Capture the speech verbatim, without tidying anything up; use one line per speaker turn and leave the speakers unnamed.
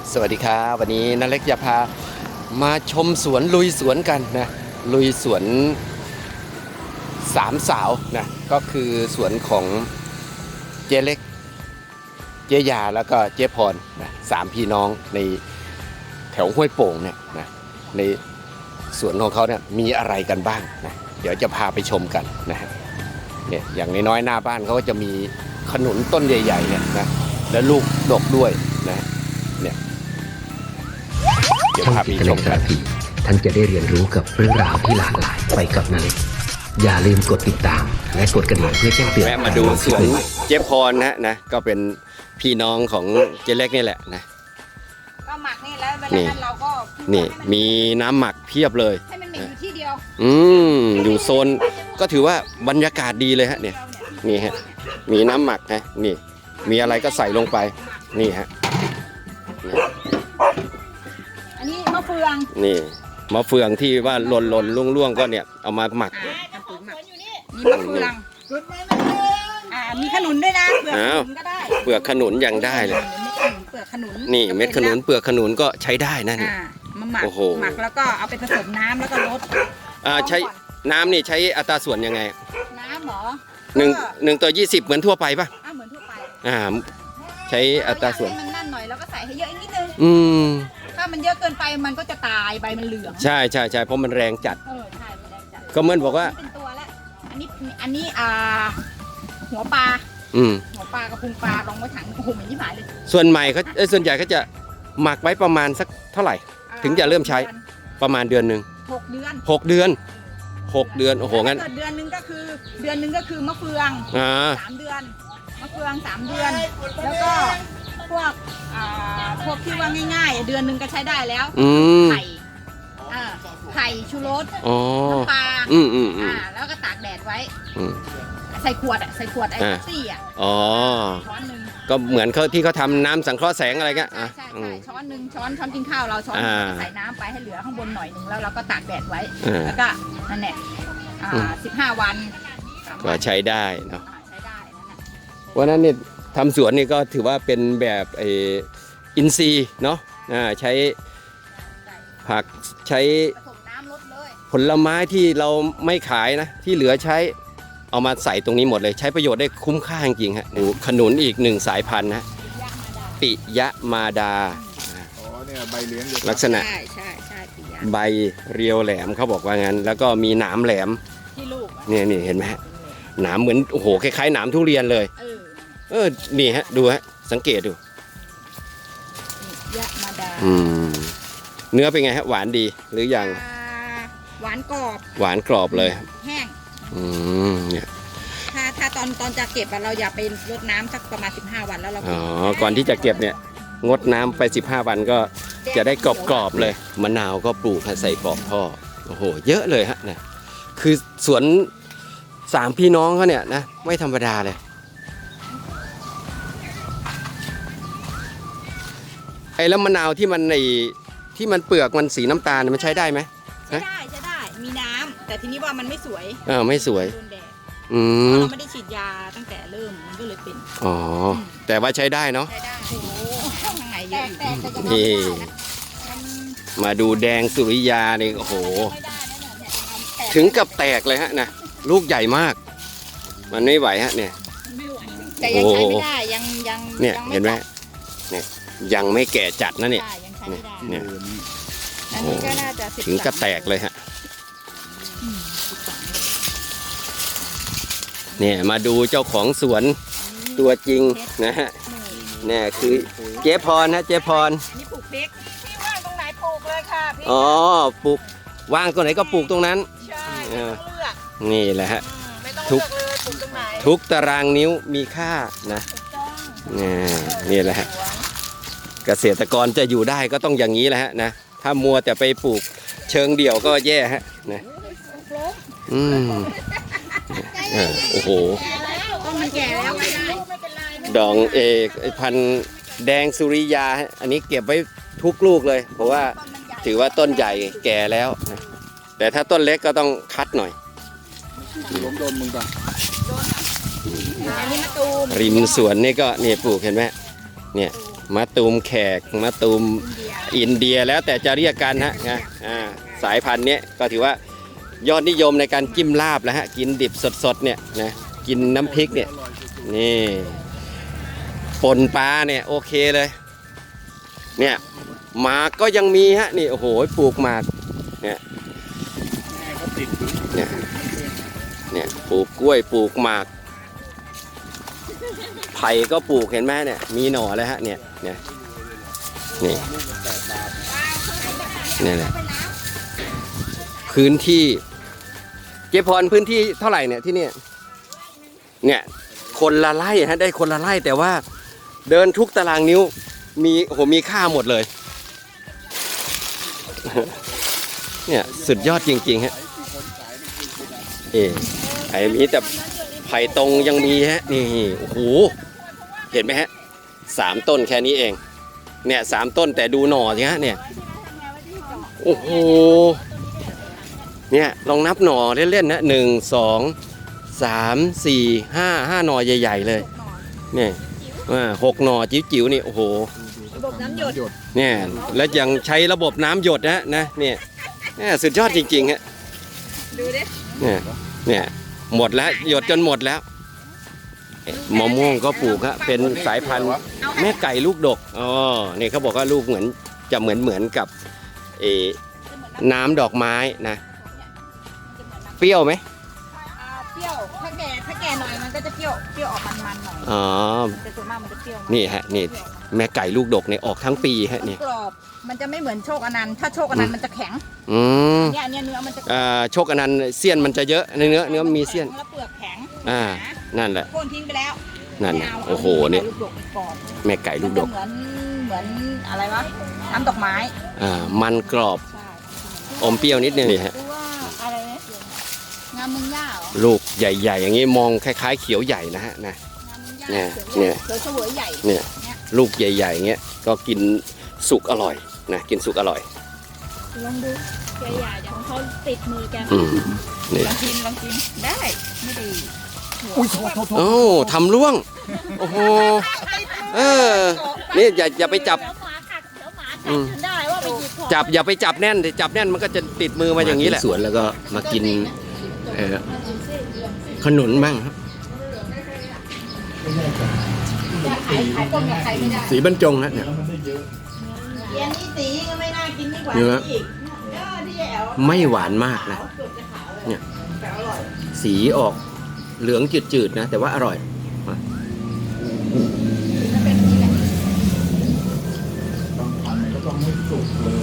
สวัสดีครับวันนี้นาเล็กจะพามาชมสวนลุยสวนกันนะลุยสวนสามสาวนะก็คือสวนของเจ๊เล็กเจ๊ยาแล้วก็เจ๊พรนะสามพี่น้องในแถวห้วยโป่งเนี่ยนะในสวนของเขาเนี่ยมีอะไรกันบ้างนะเดี๋ยวจะพาไปชมกันนะฮะเนี่ยอย่างน้อยๆหน้าบ้านเขาก็จะมีขนุนต้นใหญ่ๆเนี่ยนะและลูกดกด้วยนะเนี่ยเดี๋ยวพาไปชมกัน
ท่านจะได้เรียนรู้กับเรื่องราวที่หลากหลายไปกับนาเล็กอย่าลืมกดติดตามและกดกระดิ่งเพื่อแจ้งเตือน
แวะมาดูสวนเจ๊พรนะนะก็เป็นพี่น้องของเจ๊เล็กนี่แหละนะ
ก็หมักนี่แล้วเวลานั้นเราก็
นี่มีน้ำหมักเพียบเลย
ให้มันอยู่ที่เดียว
อืมอยู่โซนก็ถือว่าบรรยากาศดีเลยฮะเนี่ยนี่ฮะมีน้ำหมักนะนี่มีอะไรก็ใส่ลงไปนี่ฮะ
อันนี้มะเฟือง
นี่มะเฟืองที่ว่าหล่นหล่นล่วงล่วงก็เนี่ยเอามาหมัก
มีมะเฟืองอ่ามีขนุนด้วยนะเปลือกขนุนก็ได้
เปลือกขนุนยังได้เลย
เปลือกขนุน
นี่เม็ดขนุนเปลือกขนุนก็ใช้ได้นะนี่
มาหมักหมักแล้วก็เอาไปผสมน้ำแล้วก็ลด
อ่าใช้น้ำนี่ใช้อัตราส่วนยังไง
น้ำหรอ
หนึ่งหนึ่งต่อยี่สิบเหมือนทั่วไปป่ะ
อ่าเหมือนทั่วไป
อ่าใช้อัตราส่วน
มันนั่นหน่อยแล้วก็ใส่ให้เยอะอีกนิดนึง
อืม
ถ้ามันเยอะเกินไปมันก็จะตายใบมันเหลือง
ใช่ใช่ใช่เพราะมันแรงจัด
เออใช่แรงจัด
ก็เหมือนบอกว่า
เป็นตัวละอันนี้อันนี้อ่าหัวปลา
อืม
หัวปลากระพุงปลาลองไว้ถังโอ้โหเหมือนที่หมายเลย
ส่วนใหม่เขาส่วนใหญ่เขาจะหมักไว้ประมาณสักเท่าไหร่ถึงจะเริ่มใช้ประมาณเดือนหนึ่ง
หกเดือน
หกเดือนหกเดือนโอ้โหงั้น
เดือนหนึ่งก็คือเดือนหนึ่งก็คือมะเฟืองสามเดือนมะเฟืองสามเดือนแล้วก็พวกอ่าพวกที่ว่าง่ายๆเดือนหนึ่งก็ใช้ได้แล้วไข่อ่าไข่ชูรสน้ำปลา
อืมอืม
อ่าแล้วก็ตากแดดไว้ใส่ขวดอ่ะใส่ขวดไอ้ซี่อ่ะ
อ๋อ
ช้อนหนึ่ง
ก็เหมือนเขาที่เขาทำน้ำสังเคราะห์แสงอะไรเงี้ย
ใช่ใช่ใช่ช้อนหนึ่งช้อนช้อนกินข้าวเราช้อนใส่น้ำไปให้เหลือข้างบนหน่อยหนึ่งแล้วเราก็ตากแดดไว้แล้วก็นั่นแหละอ่าสิบห้าวัน
ก็ใช้ได้เนาะ
ใช้ได้นั่นแหละ
วันนั้นเนี่ยทำสวนนี่ก็ถือว่าเป็นแบบไออินทรีย์เนาะใช้ผักใช้ผลไม้ที่เราไม่ขายนะที่เหลือใช้เอามาใส่ตรงนี้หมดเลยใช้ประโยชน์ได้คุ้มค่าจริงๆฮะดูขนุนอีกหนึ่งสายพันธุ์นะปิยะมาดาลักษณะใบเรียวแหลมเขาบอกว่างั้นแล้วก็มีหนามแหลมเนี่ยนี่เห็นไหมฮะหนามเหมือนโอ้โหคล้ายๆหนามทุเรียนเลยเออนี่ฮะดูฮะสังเกตดู
ยะมาดา
อืมเนื้อเป็นไงฮะหวานดีหรือยัง
หวานกรอบ
หวานกรอบเลย
แห้ง
อืมเนี่ย
ถ้าถ้าตอนตอนจะเก็บเราอย่าไปรดน้ำสักประมาณสิบห้าวันแล้วเรา
อ๋อก่อนที่จะเก็บเนี่ยงดน้ำไปสิบห้าวันก็จะได้กรอบๆเลยมะนาวก็ปลูกใส่ปอกท่อโอ้โหเยอะเลยฮะนะคือสวนสามพี่น้องเขาเนี่ยนะไม่ธรรมดาเลยไอ้แล้วมะนาวที่มันในที่มันเปลือกมันสีน้ำตาลมันใช้ได้ไหม
ใช้ได้ใช้ได้มีน้ำแต่ทีนี้ว่ามันไม่สวย
เออไม่สวย
อืมเราไม่ได้ฉีดยาตั้งแต่เริ่มมันก็เลยเป็น
อ๋อแต่ว่าใช้ได้เนาะ
ใช้ได้โอ้โหข้างในเยอะ
นี่มาดูแดงสุริยานี่โอ้โหถึงกับแตกเลยฮะนะลูกใหญ่มากมันไม่ไหวฮะเนี่ย
แต่ยังใช้ไม่ได้ยังยัง
เนี่ยเห็นไหมเนี่ยยังไม่แก่จัดนะเนี่ยเนี่ย
อันนี้ก็น่าจะ
ถึงกับแตกเลยฮะเนี่ยมาดูเจ้าของสวนตัวจริงนะฮะเนี่ยคือเจ๊พรนะเจ๊พร
นี่ปลูกพริกพี่ว่างตรงไหนปลูกเลยค่ะพี่
อ๋อปลูกว่างตรงไหนก็ปลูกตรงนั้น
ใช่ไม่ต้องเลือก
นี่แหละฮะ
ทุกปลูกตรงไหน
ทุกตารางนิ้วมีค่านะนี่นี่แหละฮะเกษตรกรจะอยู่ได้ก็ต้องอย่างนี้แหละฮะนะถ้ามัวแต่ไปปลูกเชิงเดี่ยวก็แย่ฮะนะอืมโอ้โห
ต้นมันแก่แล้วไม่ได้
ดองเอกพันแดงสุริยาอันนี้เก็บไว้ทุกลูกเลยเพราะว่าถือว่าต้นใหญ่แก่แล้วนะแต่ถ้าต้นเล็กก็ต้องคัดหน่อย
ล้มโดนมึงป่ะ
ริมสวนนี่ก็
นี่ปลูกเห็นไหมเนี่ยมะตูมแขกมะตูมอินเดียแล้วแต่จะเรียกกันฮะนะอ่าสายพันธุ์เนี้ยก็ถือว่ายอดนิยมในการจิ้มลาบแล้วฮะกินดิบสดๆเนี่ยนะกินน้ำพริกเนี่ยนี่ปนปลาเนี่ยโอเคเลยเนี่ยหมากก็ยังมีฮะนี่โอ้โหปลูกหมากเนี่ยเนี่ยเนี่ยปลูกกล้วยปลูกหมากไผ่ก็ปลูกเห็นไหมเนี่ยมีหน่อเลยฮะเนี่ยเนี่ยนี่นี่แหละพื้นที่เจ๊พรพื้นที่เท่าไหร่เนี่ยที่เนี่ยเนี่ยคนละไร่ฮะได้คนละไร่แต่ว่าเดินทุกตารางนิ้วมีโอ้โหมีค่าหมดเลยเนี่ยสุดยอดจริงๆฮะเอไอ้มีแต่ไผ่ตรงยังมีฮะนี่โอ้โหเห็นไหมฮะสามต้นแค่นี้เองเนี่ยสามต้นแต่ดูหน่อสิฮะเนี่ยโอ้โหเนี่ยลองนับหน่อเล่นๆนะหนึ่งสองสามสี่ห้าห้าหน่อใหญ่ๆเลยเนี่ยหกหน่อจิ๋วๆนี่โอ้โห
ระบบน้ำหยด
เนี่ยแล้วยังใช้ระบบน้ำหยดนะนะเนี่ยเนี่ยสุดยอดจริงๆฮะ
ดูดิ
เนี่ยเนี่ยหมดแล้วหยดจนหมดแล้วมะม่วงก็ปลูกฮะเป็นสายพันธุ์แม่ไก่ลูกดกอ๋อนี่เขาบอกว่าลูกเหมือนจะเหมือนเหมือนกับเออน้ำดอกไม้นะเปรี้ยวไหม
อ่าเปรี้ยวถ้าแก่ถ้าแก่หน่อยมันก็จะเปรี้ยวเปรี้ยวออกมันๆหน่อย
อ๋อ
แต่ส่วนมากมันจะเปรี้ยว
นี่ฮะนี่แม่ไก่ลูกดกเนี่ยออกทั้งปีฮะนี่
กรอบมันจะไม่เหมือนโชคอนันต์ถ้าโชคอนันต์มันจะแข็ง
อืม
เนี่ยเนี่ยเนื้อมันจะ
อ่าโชคอนันต์เสี้ยนมันจะเยอะในเนื้อเนื้อมีเสี้ยน
แล้วเปลือกแข็ง
อ่านั่นแหละ
โค่นทิ้งไปแล้ว
นั่น
ไม่
นะ
เา
โอ้โห
า
เนี่ย
ลูกดกไปก่อน
แม่ไก่ลูกดก
มันจะเหมือนเหมือนอะไรวะน้ำดอกไม้
อ่ามันกรอบ
ใช่
อมเปรี้ยวนิดนึงนี่ฮะ
หรือว่าอะไรนะงามมึงย่าเหรอ
ลูกใหญ่ๆ อย่างนี้มองคล้ายๆเขียวใหญ่นะฮะนะ
งามมึงย่า
เนี่ย
เขียว
เนี่ย
เขียวเสวยใหญ่
เนี่ยลูกใหญ่ๆอย่างเงี้ยก็กินสุกอร่อยนะกินสุกอร่อย
ลองดูแกใหญ่เดี๋ยวของเขาติดมือแก
อืมนี่
ลองกินลองกินได้ไม่ดี
อุ้ยโทษโทษโทษ
โอ้ทำร่วงโอ้โหเออนี่อย่าอย่าไปจับ
เดี๋ยวหมากัดเดี๋ยวหมากั
อื
ด
ม
จนได้ว่าไปหยิบของ
จับอย่าไปจับแน่นจับแน่นมันก็จะติดมือมาอย่างนี้แหละสวนแล้วก็มากินเออขนุนบ้างครับ
ขายขายต้มกับใครไม่ได้
สีบรรจงฮะเนี่ย
เย็นนี่สีก็ไม่น่ากินดีกว่า
เนื้อ
อีกเออที่แอ๋ว
ไม่หวานมากนะ
เกือบจะขาวเลย
เนี่ย
แต่อร่อย
สีออกเหลืองจืดๆนะแต่ว่าอร่อย
ถ้าเป็นนี่แหละ
บางพันธุ์ก็ต้องไม่สุกเลย